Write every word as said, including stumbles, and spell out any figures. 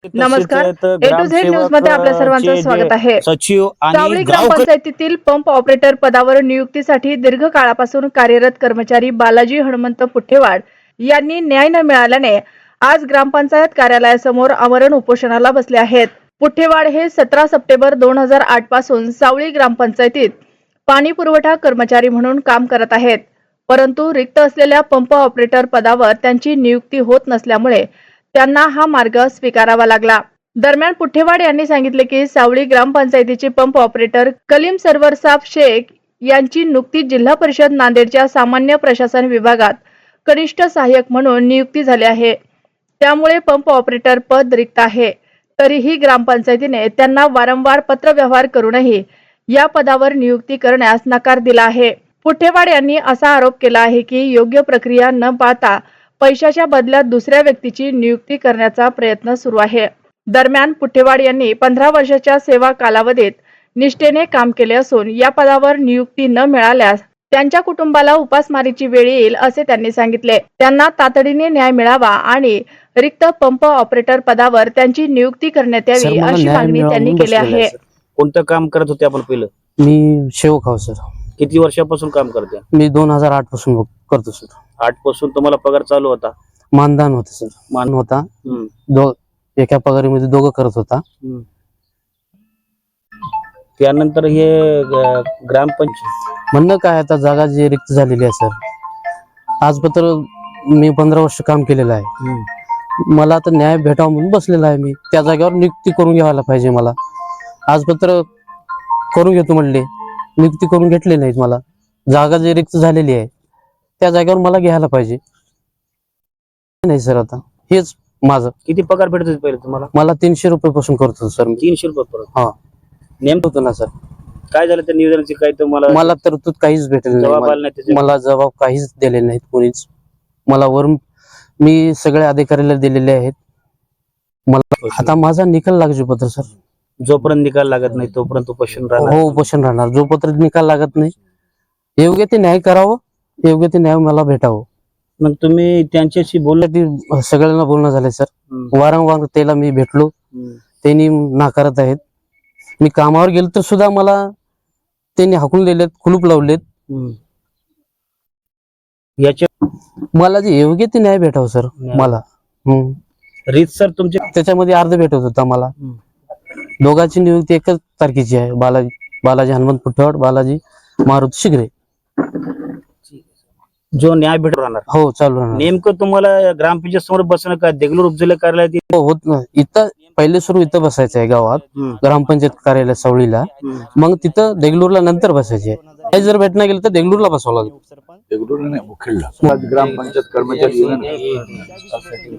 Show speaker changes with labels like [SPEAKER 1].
[SPEAKER 1] नमस्कार, ए to Z news मध्ये आपल्या सर्वांचं स्वागत आहे.
[SPEAKER 2] सचिव
[SPEAKER 1] सावळी
[SPEAKER 2] आणि
[SPEAKER 1] ग्रामपंचायतीतील पंप ऑपरेटर पदावर नियुक्तीसाठी दीर्घ काळापासून कार्यरत कर्मचारी बालाजी हनुमंत पुठेवाड यांनी न्याय न मिळाल्याने आज ग्रामपंचायत कार्यालयासमोर आमरण उपोषणाला बसले आहेत. पुठेवाड हे सतरा सप्टेंबर दोन हजार आठ पासून सावळी ग्रामपंचायतीत पाणी पुरवठा कर्मचारी म्हणून काम करत आहेत. परंतु रिक्त असलेल्या पंप ऑपरेटर पदावर त्यांची नियुक्ती होत नसल्यामुळे त्यांना हा मार्ग स्वीकारावा लागला. दरम्यान पुठेवाड यांनी सांगितले की सावळी ग्रामपंचायतीचे पंप ऑपरेटर कलीम सरवर साब शेख यांची नुकतीच जिल्हा परिषद नांदेडच्या सामान्य प्रशासन विभागात कनिष्ठ सहाय्यक म्हणून नियुक्ती झाली आहे. त्यामुळे पंप ऑपरेटर पद रिक्त आहे. तरीही ग्रामपंचायतीने त्यांना वारंवार पत्रव्यवहार करूनही या पदावर नियुक्ती करण्यास नकार दिला आहे. पुठेवाड यांनी असा आरोप केला आहे की योग्य प्रक्रिया न पाळता पैशाच्या बदल्यात दुसऱ्या व्यक्तीची नियुक्ती करण्याचा प्रयत्न सुरू आहे. दरम्यान पुठेवाड यांनी पंधरा वर्षाच्या सेवा कालावधीत निष्ठेने काम केले असून या पदावर नियुक्ती न मिळाल्यास त्यांच्या कुटुंबाला उपासमारीची वेळ येईल असे त्यांनी सांगितले. त्यांना तातडीने न्याय मिळावा आणि रिक्त पंप ऑपरेटर पदावर त्यांची नियुक्ती करण्यात यावी अशी मागणी त्यांनी केली आहे.
[SPEAKER 2] कोणतं काम करत होते आपण पहिलं?
[SPEAKER 3] मी शेवक हाव सर.
[SPEAKER 2] किती वर्षापासून काम करते?
[SPEAKER 3] मी दोन हजार आठ पासून करतो सर.
[SPEAKER 2] आठ पासून तुम्हाला पगार चालू होता?
[SPEAKER 3] मानधन होतं सर. मान होता. दो एका पगारीमध्ये दोघं करत होता.
[SPEAKER 2] त्यानंतर हे ग्रामपंचायत
[SPEAKER 3] म्हणणं काय, आता जागा जी रिक्त झालेली आहे सर, आजपत्र मी पंधरा वर्ष काम केलेलं आहे. मला आता न्याय भेटावा म्हणून बसलेला आहे. मी त्या जागेवर नियुक्ती करून घ्यायला पाहिजे. मला आजपत्र करून घेतो म्हणले, नियुक्ती करून घेतली नाहीत. मला जागा जी रिक्त झालेली आहे त्या जागेवर मला घ्यायला पाहिजे नाही सर. आता हेच माझं.
[SPEAKER 2] किती पगार भेटत होते पहिले तुम्हाला?
[SPEAKER 3] मला तीनशे रुपये पासून करतो सर मी.
[SPEAKER 2] तीनशे रुपये परत? हा.
[SPEAKER 3] नेमकं होतं ना सर.
[SPEAKER 2] काय झालं त्या निवेदनाचे? काय तुम्हाला
[SPEAKER 3] मला तरतूद काहीच भेटेल नाही. मला जबाब काहीच दिले नाहीत कोणीच. मला वरून मी सगळ्या अधिकाऱ्याला दिलेले आहेत. मला आता माझा निकाल लागू पत्र सर.
[SPEAKER 2] जोपर्यंत निकाल लागत नाही तोपर्यंत उपोषण राहणार?
[SPEAKER 3] हो, उपोषण राहणार. जोपर्यंत निकाल लागत नाही योग्य ते न्याय करावं, योग्य ते न्याय मला भेटावं.
[SPEAKER 2] मग तुम्ही त्यांच्याशी बोलले?
[SPEAKER 3] ती सगळ्यांना बोलणं झालंय सर. वारंवार त्याला मी भेटलो, त्यांनी नाकारत आहेत. मी कामावर गेलो तर सुद्धा मला त्यांनी हाकून दिलेत, कुलूप लावलेत.
[SPEAKER 2] याच्या
[SPEAKER 3] मला जे योग्य ते न्याय भेटावं सर मला.
[SPEAKER 2] रीत सर तुमच्या
[SPEAKER 3] त्याच्यामध्ये अर्ध भेटत होता मला. दोघांची नियुक्ती एकच तारखेची आहे. बालाजी बालाजी हनुमंत पुठेवाड, बालाजी मारुती शिगरे.
[SPEAKER 2] जो न्याय भेट राहणार?
[SPEAKER 3] हो, चालू राहणार.
[SPEAKER 2] नेमकं तुम्हाला ग्रामपंचायत समोर बसणं का देगलूर उपजिल्हा कार्यालयात
[SPEAKER 3] होत नाही? इथं पहिले सुरू इथं बसायचं आहे गावात, ग्रामपंचायत कार्यालय सावळीला. मग तिथं देगलूरला नंतर बसायचे. काही जर भेटणं गेलं तर देगलूरला बसावं लागेल.
[SPEAKER 4] देगलूरला नाही, मुखेडला. ग्रामपंचायत कर्मचारी